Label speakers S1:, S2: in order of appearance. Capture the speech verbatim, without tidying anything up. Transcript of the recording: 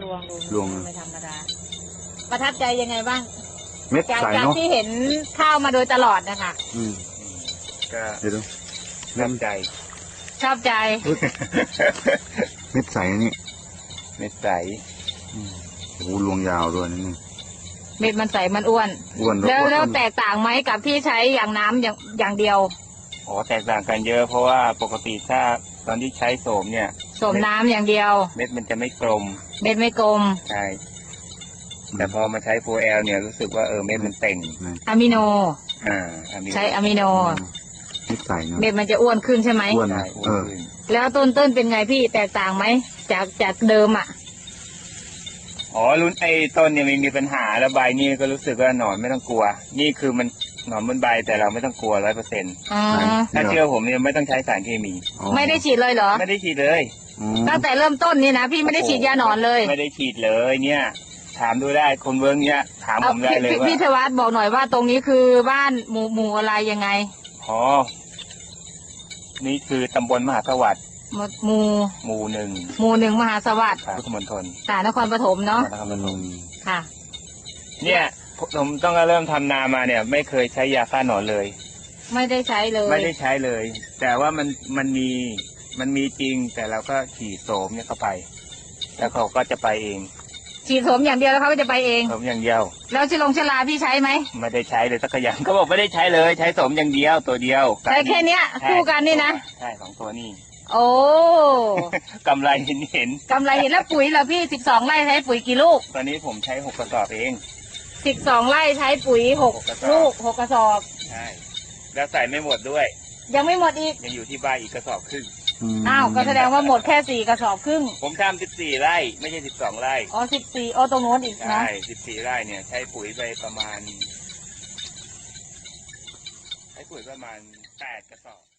S1: รวงดู
S2: รวง
S1: ไม่ธรรมดาประทับใจยังไงบ้าง
S2: เม็ด
S1: จาก
S2: ใส
S1: จาก
S2: เนาะ
S1: ที่เห็นข้าวมาโดยตลอดนะคะ
S2: อืม
S3: ก็
S2: เดี๋ยวดู
S3: ชอบใจ
S1: ชอบใจ
S2: เม็ดใสนี่
S3: เม็ดใส
S2: อืมโอ้โหรวงยาวด้วยนี่
S1: เม็ดมันใสมันอ้วน
S2: อ้วน
S1: แล้ว
S2: อ้น
S1: แล้วแตกต่างไหมกับที่ใช้อย่างน้ำอย่างอย่างเดียว
S3: อ๋อแตกต่างกันเยอะเพราะว่าปกติถ้าตอนที่ใช้โสมเนี่ย
S1: สมน้ำอย่างเดียว
S3: เม็ดมันจะไม่กลม
S1: เม็ดไม่กลม
S3: ใช่แต่พอมาใช้โฟแอลเนี่ยรู้สึกว่าเออเม็ดมันเต่ง
S1: อะมิโน
S3: อ่าอันนี้
S1: ใช้อะมิโน
S2: เม็ดใสเนาะ
S1: เม็ดมันจะอ้วนขึ้นใช่ไหม
S2: อ้วน
S3: ใช่
S2: นะ
S3: อ้ว
S2: เอน อ
S3: ขึ้น
S1: แล้วต้นต้นเป็นไงพี่แตกต่างไหมจากจากเดิมอ่ะ
S3: อ๋อรุ่นไอ้ต้นเนี่ยไม่มีปัญหาแล้วใบนี่ก็รู้สึกว่าหนอนไม่ต้องกลัว นี่คือมันหนอนบนใบแต่เราไม่ต้องกลัวร้อยเปอร์เซ็นต์
S1: อ๋อ
S3: ถ้าเชื่อผมเนี่ยไม่ต้องใช้สารเคมี
S2: อ๋อ
S1: ไม่ได้ฉีดเลยเหรอ
S3: ไม่ได้ฉีดเลย
S2: อืม
S1: ตั้งแต่เริ่มต้นนี่นะพี่ไม่ได้ฉีดยาหนอนเลย
S3: ไม่ได้ฉีดเลยเนี่ย ถามดูได้คนเวิร์กเนี่ยถามผมได้
S1: เอา
S3: เลย
S1: พี่
S3: ว่า
S1: พี่ธวัฒน์บอกหน่อยว่าตรงนี้คือบ้านหมู่หมู่อะไรยังไง
S3: อ๋อนี่คือตำบลมหาสวัสดิ์
S1: หมู่หมู่
S3: หมู่หนึ่ง
S1: หมู่หนึ่งมหาสวัสดิ์
S3: ครับพุทธมณฑล
S1: สานครปฐมเนาะ
S3: นครปฐม
S1: ค่ะ
S3: เนี่ยผมต้องเริ่มทำนามาเนี่ย ไม่เคยใช้ยาฆ่าหนอนเลย
S1: ไม่ได้ใช้เลย
S3: ไม่ได้ใช้เลย แต่ว่ามันมันมีมันมีจริง แต่เราก็ฉีดโสมเนี่ยเข้าไป แล้วเขาก็จะไปเอง
S1: ฉีดสมอย่างเดียวแล้วเขาก็จะไปเอง
S3: โสมอย่างเดียว
S1: แล้วชิลงชลาพี่ใช้ไหม
S3: ไม่ได้ใช้เลยสักอย่างเขาบอกไม่ได้ใช้เลย ใช้โสมอย่างเดียวตัวเดียว
S1: ใช้แค่เนี้ย
S3: ใช่
S1: คู่กันนี่นะ
S3: ใช่สองตัวนี่
S1: โอ้
S3: กำไรเห็นเห็น
S1: กำไรเห็นแล้วปุ๋ยเหรอพี่สิบสองไร่ใช้ปุ๋ยกี่ลูก
S3: ตอนนี้ผมใช้หกกระสอบเอง
S1: สิบสองไร่ใช้ปุ๋ยหก
S3: หกกระสอบ
S1: ลูกหกกระสอบ
S3: ใช่แล้วใส่ไม่หมดด้วย
S1: ยังไม่หมดอีก
S3: ยังอยู่ที่บ้านอีกกระสอบครึ่ง
S2: ม
S1: อ้าวก็แสดงว่าหมดแค่สี่กระสอบครึ่ง
S3: ผมทำสิบสี่ไร่ ไม่ใช่สิบสองไร่
S1: อ๋อสิบสี่อ๋อตรงโน้นอีกนะ
S3: ใช่สิบสี่ไร่เนี่ย ใช้ปุ๋ยไปประมาณ ใช้ปุ๋ยประมาณแปดกระสอบ